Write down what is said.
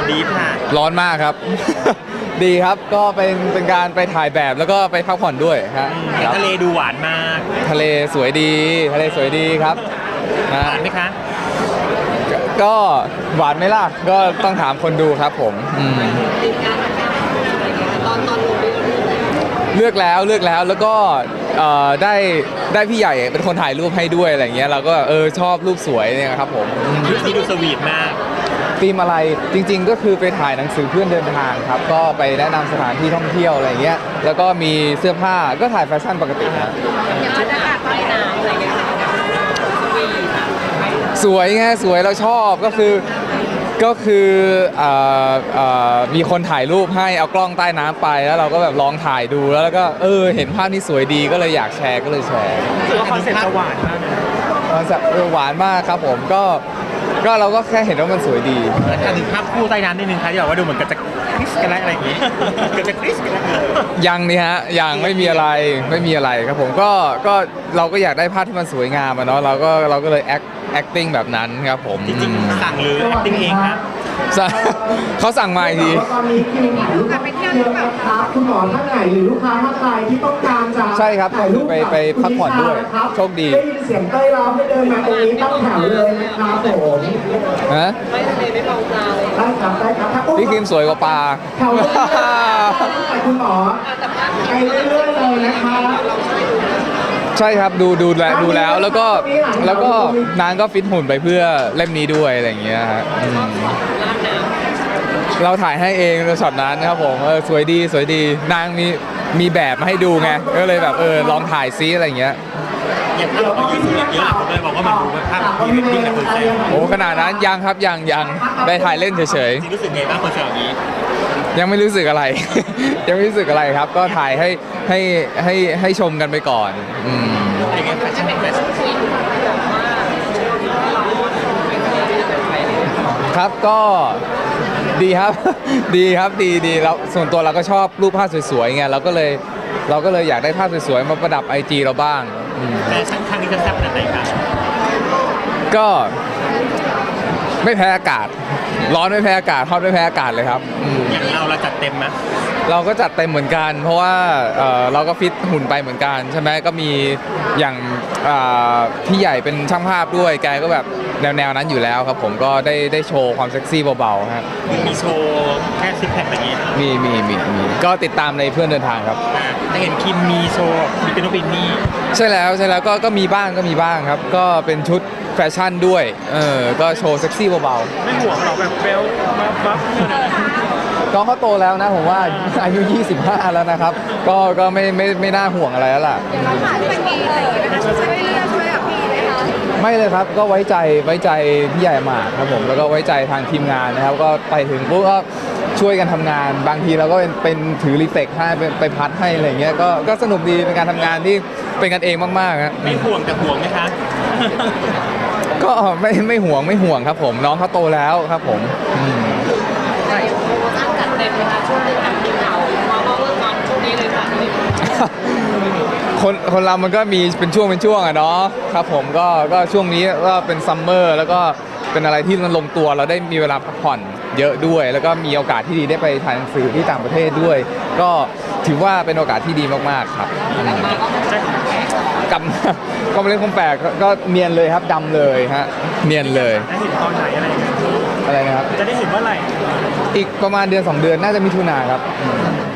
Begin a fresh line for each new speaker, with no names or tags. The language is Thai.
ดีฟค่ะ
ร้อนมากครับ ดีครับก็เป็นการไปถ่ายแบบแล้วก็ไปพักผ่อนด้วยครับ
ทะเลดูหวานมาก
ทะเลสวยดีทะเลสวยดีครับ
หวานไหมคะ
ก็หวานไหมล่ะก็ต้องถามคนดูครับผมเลือกแล้วแล้วก็ได้พี่ใหญ่เป็นคนถ่ายรูปให้ด้วยอะไรเงี้ยเราก็ชอบรูปสวยเนี่ยครับผม
รูปนี้ดูสวีทมาก
ธีมอะไรจริงๆก็คือไปถ่ายหนังสือเพื่อนเดินทางครับก็ไปแนะนำสถานที่ท่องเที่ยวอะไรเงี้ยแล้วก็มีเสื้อผ้าก็ถ่ายแฟชั่นปกติครับสวยไงสวยเราชอบก็คือมีคนถ่ายรูปให้เอากล้องใต้น้ำไปแล้วเราก็แบบลองถ่ายดูแล้วก็เห็นภาพนี้สวยดีก็เลยอยากแชร์ก็เลยแชร์
ถือว่าคอนเซ็ปต์จะหวานมาก
คอนเซ็ปต์หวานมากครับผมก็เราก็แค่เห็นว่ามันสวยดี
ถ้าถึงภาพคู่ใต้น้ำนิดนึงครับที่บอกว่าดูเหมือนกับจะคริสกันอะไรอย่างงี้ก็จะคริสกัน
ยังนี่ฮะยังไม่มีอะไรครับผมก็เราก็อยากได้ภาพที่มันสวยงามเนาะเราก็เลย acting แบบนั้นครับผม
จริงๆสั่งหรือ acting เองครับ
เขาสั่งมาอีกที
ตอนนี้คิวถ่ายรูปไปเที่ยวหรือเปล่าครับคุณหมอท่านไหนหรือลูกค้าท่านใดที่ต้องการจะ
ใช่ครับไปพักผ่อนด้วยโชคดี
ได้ยินเสียงเต้ยร้องให้เดินมาตรงนี้ตั้งแถวเลยนะครับผม
ฮะ
ไม่มองปลาเลยได้ครับ
พี่คิมสวยกว่าปลา
แถวนี้คุณหมอไปเรื่อยๆเลยนะคะ
ใช่ครับดูแล้วแล้วก็นางก็ฟิตหุ่นไปเพื่อเล่มนี้ด้วยอะไรอย่างเงี้ยฮะเราถ่ายให้เองในช็อตนั้นนะครับผมสวยดีนางมีแบบมาให้ดูไงก็เลยแบบลองถ่ายซิอะไรอย่างเงี้ย
อย่างถ้าเรายืนเยอะผมเลยบอกว่ามันดูเป็นภาพพรีเวดดิ้งกับคนแซว
โอ้ขนาดนั้นยังครับยังได้ถ่ายเล่นเฉยๆจริ
งรู้สึกไงบ้างคนแซวอย่างนี้
ยังไม่รู้สึกอะไร ยังไม่รู้สึกอะไรครับก็ถ่ายให้ชมกันไปก่อนครับก็ดีครับ ดีแล้วส่วนตัวเราก็ชอบรูปภาพสวยๆไงเราก็เลยอยากได้ภาพสวยๆมาประดับ IG เราบ้าง
แต่ครั้งนี้จะแซ่บขนาดไหนครับ
ก็ไม่แพ้อากาศร้อนไม่แพ้อากาศฮอตไม่แพ้อากาศเลยครับ
อย่างเราจัดเต็มไหม
เราก็จัดเต็มเหมือนกันเพราะว่าเราก็ฟิตหุ่นไปเหมือนกันใช่ไหมก็มีอย่างพี่ใหญ่เป็นช่างภาพด้วยแกก็แบบแนวนั้นอยู่แล้วครับผมก็ได้โชว์ความเซ็กซี่เบาๆครับ
มีโชว์แค่ซิกแพคอย่างนี้
มีก็ติดตามในเพื่อนเดินทางครับ
แต่เห็นคิมมีโชว์มีเป็นบินี่
ใช่แล้วก็มีบ้างครับก็เป็นชุดแฟชั่นด้วยก็โชว์เซ็กซี่เบา
ๆไม่ห่วงหรอกแบบเบลบัฟ
น้องเขาโตแล้วนะผมว่าอายุ25แล้วนะครับก็ไม่น่าห่วงอะไรแล้วล่ะ
เราผ่านเป็นปีอะไรอย่างเงี้ยช่วยกับพี่ไหมคะ
ไม่เลยครับก็ไว้ใจพี่ใหญ่มากครับผมแล้วก็ไว้ใจทางทีมงานนะครับก็ไปถึงปุ๊บก็ช่วยกันทำงานบางทีเราก็เป็นถือรีเฟกให้ไปพัดให้อะไรเงี้ยก็สนุกดีเป็นการทำงานที่เป็นกันเองมากๆครับ
ไม่ห่วงแต่ห่วงไหมคะ
ก็ไม่ห่วงครับผมน้องเขาโตแล้วครับผมคนเรามันก็มีเป็นช่วงอะเนาะครับผมก็ช่วงนี้ก็เป็นซัมเมอร์แล้วก็เป็นอะไรที่มันลงตัวเราได้มีเวลาพักผ่อนเยอะด้วยแล้วก็มีโอกาสที่ดีได้ไปถ่ายหนังสือที่ต่างประเทศด้วยก็ถือว่าเป็นโอกาสที่ดีมากๆครับก็มาเล่นคอมแปลกก็เนียนเลยครับดำเลยฮะเนียนเลย
จะเห็นตอนไหนอะไร
นะครับ
จะได้เห็นเมื่อไหร่
อีกประมาณเดือน2 เดือนน่าจะมิถุนาครับ